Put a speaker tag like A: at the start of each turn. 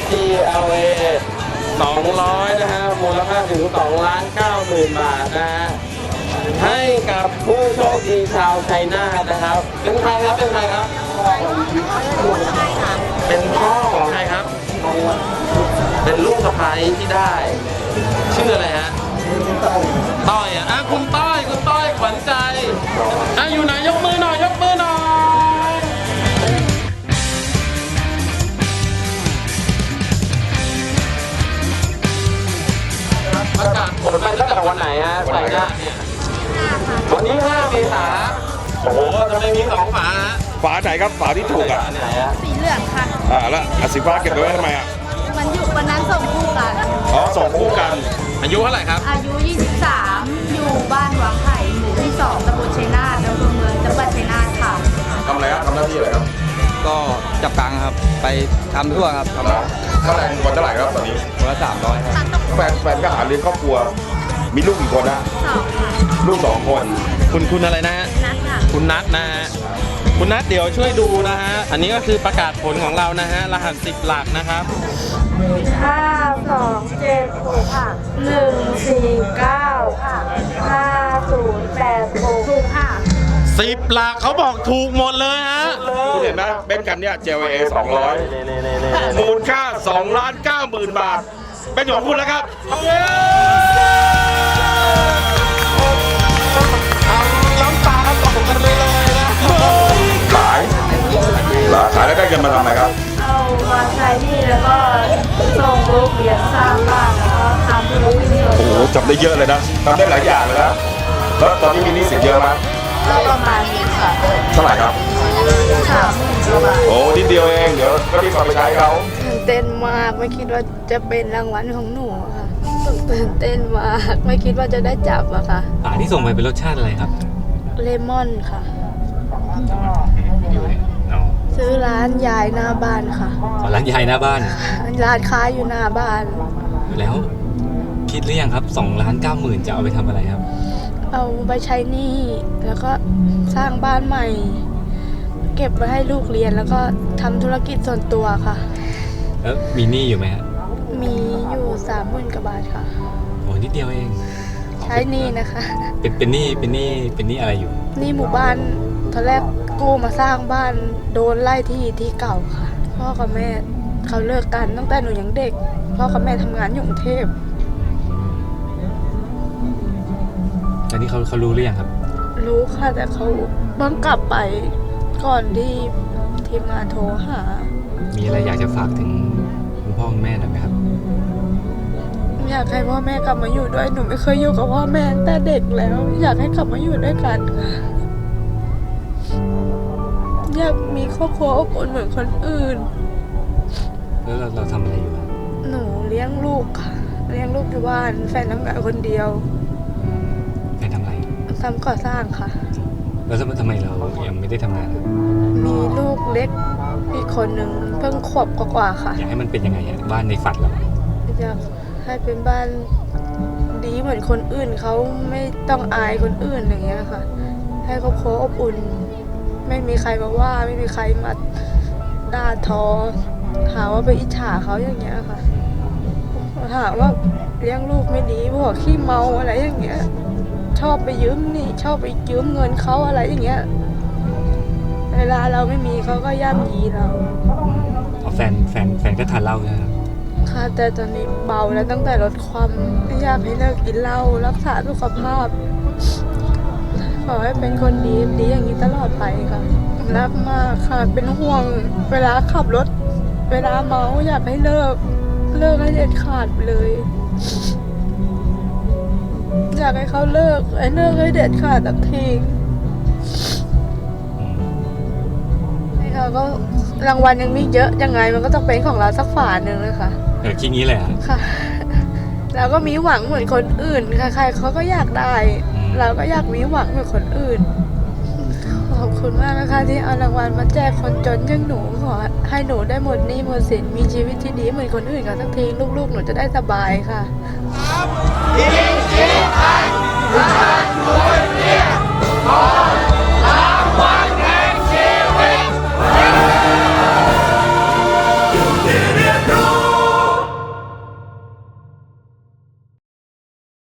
A: GLA 200นะฮะมูลค่าถึง2,90,000 บาทนะฮะให้กับผู้โชคดีชาวชัยนาทนะครับเป็นใครครับเป็นใครครับเป็นพ่อของใครครับเป็นลูกสะใภ้ที่ได้ชื่ออะไรฮะต้อยคุณต้อยขวัญใจอยู่ไหนยกมือหน่อยยกมือหน่อยประกาศผลไปตั้งแต่วันไหนฮะชัยนาทเนี่ยวันที่5 เมษายนโอ้โหทำไมมี2 ฝาฮะ
B: ฝาไหนครับฝาที่ถูกอ่ะ
A: ไหนฮะ
C: สีเหลืองค่ะ
B: แล้วสีฟ้าเก็บไว้ทำไมอ่ะ
C: มันอยู่วันนั้นส่งคู่กัน
B: ส่งคู่กัน
A: อายุเท่าไหร่ครับ
C: อายุ23อยู่บ้านวังไผ่หมู่ที่2ตำบลชัยนาทอำเภอเมืองจังหวัดชัยนาทค่ะ
B: ทำอะไรครับทำหน้าที่อะไรครับ
D: ก็จับกังครับไปทำทั่วครับ
B: ทำค่าแรงวันเท่าไหร่ครับตอนนี้
D: วันละ300ครับ
B: แฟนก็หาเลี้ยงครอบครัวมีลูกกี่คนนะลูก2 คน
A: คุณอะไรนะฮะ
C: นัทค่ะ
A: คุณนัทนะฮะคุณนัทเดี๋ยวช่วยดูนะฮะอันนี้ก็คือประกาศผลของเรานะฮะรหัส10 หลักนะครับ
C: 527ค่ะ149ค่ะ5086ค่ะ
A: 10 หลักเขาบอกถูกหมดเลยฮะ
B: คุณเห็นไหมเบนซ์คันเนี้ย JLA 200มูลค่า2,90,000 บาทเป็นของคุณแล้วครับ
A: น้ำตาตกกันเลยนะ
B: ขายแล้วได้เงินมาทำอะไรครับ
C: เอามาใช้หนี้แล้วก็ส่งลูกเรียนสร้างบ้านแล้วก็ทำธุรกิจ
B: โอ้โหจำได้เยอะเลยนะทำได้หลายอย่างเลยนะแล้วตอนนี้มีหนี้สินเยอะไหม
C: ก็ประมาณนี้ค่ะ
B: เท่าไหร่ครับ
C: 30,000 กว่าบาท
B: โอ้นิดเดียวเองเดี๋ยวก็รีบเอาไปใช้เขา
C: ตื่นเต้นมากไม่คิดว่าจะเป็นรางวัลของหนูค่ะตื่นเต้นมากไม่คิดว่าจะได้จับอะค่ะ
A: ที่ส่งไปเป็นรสชาติอะไรครับ
C: เลมอนค่ะซื้อร้านยายหน้าบ้านค่ะ
A: ร้านยายหน้าบ้าน
C: ร้านค้าอยู่หน้าบ้าน
A: แล้วคิดหรือยังครับ2,90,000จะเอาไปทำอะไรครับ
C: เอาไปใช้หนี้แล้วก็สร้างบ้านใหม่เก็บไว้ให้ลูกเรียนแล้วก็ทำธุรกิจส่วนตัวค่ะ
A: แล้วมีหนี้อยู่ไหมฮะ
C: มีอยู่30,000 กว่าบาทค่ะ
A: โอ้นิดเดียวเอง
C: ใช้หนี้นะคะ
A: เป็นหนี้อะไรอยู่
C: หนี้หมู่บ้านตอนแรกกู้มาสร้างบ้านโดนไล่ที่เก่าค่ะพ่อกับแม่เขาเลิกกันตั้งแต่หนูยังเด็กพ่อกับแม่ทำงานอยู่กรุงเทพ
A: ตอนนี้เขารู้หรือยังครับ
C: รู้ค่ะแต่เขาเพิ่งกลับไปก่อนที่ทีมงานโทรหา
A: มีอะไรอยากจะฝากถึงคุณพ่อคุณแม่หน่อยไหมครับ
C: อยากให้พ่อแม่กลับมาอยู่ด้วยหนูไม่เคยอยู่กับพ่อแม่ตั้งแต่เด็กแล้วอยากให้กลับมาอยู่ด้วยกันค่ะอยากมีครอบครัวอบอุ่นเหมือนคนอื่น
A: แล้วเราทำอะไรอยู่ครับ
C: หนูเลี้ยงลูกค่ะเลี้ยงลูกอยู่บ้านแฟนทำงานคนเดียว
A: แฟนทำอะไร
C: ทำก่อสร้างค่ะ
A: แล้วทำไมเรายังไม่ได้ทำงาน
C: มีลูกเล็กอีกคนหนึ่งเพิ่งขวบกว่าค่ะ
A: อยากให้มันเป็นยังไงบ้านในฝันเรา
C: อยากให้เป็นบ้านดีเหมือนคนอื่นเขาไม่ต้องอายคนอื่นอย่างเงี้ยค่ะให้ครอบครัวอบอุ่นไม่มีใครมาว่าไม่มีใครมาด่าทอหาว่าไปอิจฉาเขาอย่างเงี้ยค่ะหาว่าเลี้ยงลูกไม่ดีพวกขี้เมาอะไรอย่างเงี้ยชอบไปยืมนี่ชอบไปยืมเงินเขาอะไรอย่างเงี้ยเวลาเราไม่มีเขาก็ย่ำยีเรา
A: แฟนก็ทานเหล้านะครับ
C: ค่ะแต่ตอนนี้เบาแล้วตั้งแต่ลดความไม่อยากให้เลิกกินเหล้ารักษาสุขภาพขอให้เป็นคนดีอย่างนี้ตลอดไปค่ะรักมากค่ะเป็นห่วงเวลาขับรถเวลาเมาอยากให้เลิกให้เด็ดขาดเลยอยากให้เขาเลิกให้เด็ดขาดสักทีให้เขาก็รางวัลยังมีเยอะยังไงมันก็ต้องเป็นของเราสักฝาหนึ่งเลยค่ะ
A: คิดงี้เลย
C: ค่ะเราก็มีหวังเหมือนคนอื่นใครๆเขาก็อยากได้เราก็อยากมีหวังเหมือนคนอื่นขอบคุณมากนะคะที่เอารางวัลมาแจกคนจนอย่างหนูขอให้หนูได้หมดหนี้หมดสินมีชีวิตที่ดีเหมือนคนอื่นกันสักทีลูกๆหนูจะได้สบายค่ะ